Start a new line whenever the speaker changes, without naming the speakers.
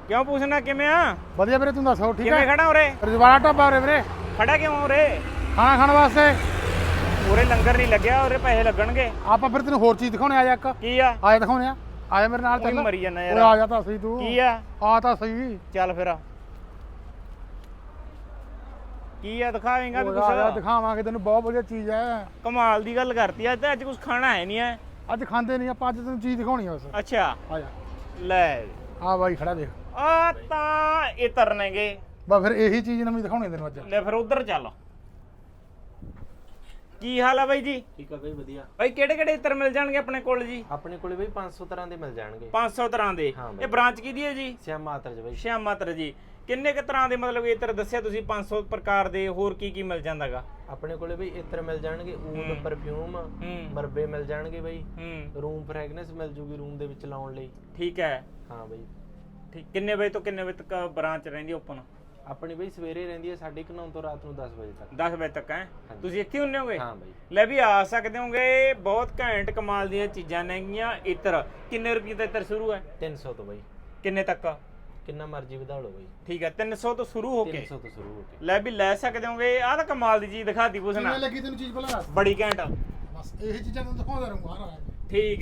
ਕਿਉਂ ਪੁੱਛਣਾ ਕਿਵੇਂ ਆ?
ਵਧੀਆ ਵੀਰੇ, ਤੂੰ ਦੱਸ ਹੋ ਠੀਕ
ਕਿਵੇਂ
ਹੈ?
ਖੜਾ ਉਰੇ?
ਰਜਵਾੜਾ ਢਾਬਾ ਉਰੇ ਵੀਰੇ,
ਖੜਾ ਕਿਉਂ ਉਰੇ?
ਖਾਣਾ ਖਾਣ ਵਾਸਤੇ।
ਉਰੇ ਲੰਗਰ ਨਹੀਂ ਲੱਗਿਆ, ਉਰੇ ਪੈਸੇ ਲੱਗਣਗੇ।
ਆਪਾਂ ਫਿਰ ਤੈਨੂੰ ਹੋਰ ਚੀਜ਼ ਦਿਖਾਉਣੇ ਆ ਜਾ ਇੱਕ।
ਕੀ ਆ?
ਆਇਆ ਦਿਖਾਉਣੇ ਆ, ਆਇਆ ਮੇਰੇ ਨਾਲ
ਉਹੀ
ਚੱਲ।
ਮਰੀ ਜਾਂਦਾ
ਓਏ
ਯਾਰ।
ਆ ਜਾ ਤਾਂ ਸਹੀ ਤੂੰ।
ਕੀ ਆ?
ਆ ਤਾਂ ਸਹੀ।
ਚੱਲ ਫਿਰ ਕੀ ਆ ਦਿਖਾਵੇਂਗਾ ਵੀ
ਆ ਜਾ
ਕੁਛ?
ਦਿਖਾਵਾਂਗੇ ਤੈਨੂੰ, ਬਹੁਤ ਵਧੀਆ ਚੀਜ਼ ਹੈ।
ਕਮਾਲ ਦੀ ਗੱਲ ਕਰਤੀ ਅੱਜ। ਅੱਜ ਕੁਝ ਖਾਣਾ ਹੈ ਨਹੀਂ ਹੈ।
ਅੱਜ ਖਾਂਦੇ ਨਹੀਂ ਆਪਾਂ, ਅੱਜ ਤੈਨੂੰ ਚੀਜ਼ ਦਿਖਾਉਣੀ ਆ ਬਸ।
ਅੱਛਾ
ਆ ਜਾ
ਲੈ
ਆ ਬਾਈ ਖੜਾ ਦੇਖ।
ਆ ਤਾਂ ਇਹ ਤਰਨੇਗੇ।
ਬਸ ਫਿਰ ਇਹੀ ਚੀਜ਼ ਨਵੀਂ ਦਿਖਾਉਣੀ ਤੈਨੂੰ ਅੱਜ।
ਲੈ ਫਿਰ ਉਧਰ ਚੱਲ। ਕੀ ਹਾਲ ਆ ਬਾਈ ਜੀ?
ਠੀਕ ਆ ਬਈ, ਵਧੀਆ।
ਬਾਈ ਕਿਹੜੇ ਕਿਹੜੇ ਇਤਰ ਮਿਲ ਜਾਣਗੇ ਆਪਣੇ ਕੋਲ ਜੀ?
ਆਪਣੇ ਕੋਲੇ ਬਈ 500 ਤਰ੍ਹਾਂ ਦੇ ਮਿਲ ਜਾਣਗੇ।
500 ਤਰ੍ਹਾਂ ਦੇ।
ਹਾਂ ਬਾਈ।
ਇਹ ਬ੍ਰਾਂਚ ਕਿਹਦੀ ਹੈ ਜੀ?
ਸ਼ਿਆਮ ਮਾਤਰ ਚ ਬਈ।
ਸ਼ਿਆਮ ਮਾਤਰ ਜੀ। ਕਿੰਨੇ ਕ ਤਰ੍ਹਾਂ ਦੇ ਮਤਲਬ ਇਤਰ ਦੱਸਿਆ ਤੁਸੀਂ 500 ਪ੍ਰਕਾਰ ਦੇ, ਹੋਰ ਕੀ ਕੀ ਮਿਲ ਜਾਂਦਾਗਾ?
ਆਪਣੇ ਕੋਲੇ ਬਈ ਇਤਰ ਮਿਲ ਜਾਣਗੇ, ਊਦ, ਪਰਫਿਊਮ, ਮਰਬੇ ਮਿਲ ਜਾਣਗੇ ਬਈ। ਰੂਮ ਫ੍ਰੈਗਨੈਂਸ ਮਿਲ ਜੂਗੀ ਰੂਮ ਦੇ ਵਿੱਚ ਲਾਉਣ ਲਈ।
ਠੀਕ ਹੈ।
ਹਾਂ ਬਈ।
ਠੀਕ। ਕਿੰਨੇ ਵਜੇ ਤੋਂ ਕਿੰਨੇ ਵਜੇ ਤੱਕ ਬ੍ਰਾਂਚ ਰਹਿੰਦੀ ਓਪਨ?
ਆਪਣੀ ਬਈ ਸਵੇਰੇ ਰਹਿੰਦੀ ਹੈ 9:30 ਤੋਂ ਰਾਤ ਨੂੰ 10 ਵਜੇ ਤੱਕ।
10 ਵਜੇ ਤੱਕ ਹੈ? ਤੁਸੀਂ ਇੱਥੇ ਹੁੰਨੇ ਹੋਗੇ?
ਹਾਂ ਬਈ।
ਲੈ ਵੀ ਆ ਸਕਦੇ ਹੋਗੇ। ਬਹੁਤ ਘੈਂਟ ਕਮਾਲ ਦੀਆਂ ਚੀਜ਼ਾਂ ਨੇਗੀਆਂ। ਇਤਰ ਕਿੰਨੇ ਰੁਪਏ ਦਾ ਇਤਰ ਸ਼ੁਰੂ ਹੈ?
300 ਤੋਂ ਬਈ।
ਕਿੰਨੇ ਤੱਕ?
ਕਿੰਨਾ ਮਰਜ਼ੀ ਵਧਾ ਲਓ ਬਈ।
ਠੀਕ ਹੈ, 300 ਤੋਂ ਸ਼ੁਰੂ ਹੋ ਕੇ
300 ਤੋਂ ਸ਼ੁਰੂ ਹੋ ਕੇ।
ਲੈ ਵੀ ਲੈ ਸਕਦੇ ਹੋਗੇ। ਆਹ ਤਾਂ ਕਮਾਲ ਦੀ ਚੀਜ਼ ਦਿਖਾਤੀ ਪੁੱਛਣਾ।
ਕਿਵੇਂ ਲੱਗੀ ਤੈਨੂੰ ਚੀਜ਼ ਭਲਾ?
ਬੜੀ ਘੈਂਟ।
ਬਸ ਇਹੀ ਚੀਜ਼ਾਂ ਤੈਨੂੰ ਦਿਖਾਉਂਦਾ ਰਹੂੰਗਾ।
ਠੀਕ।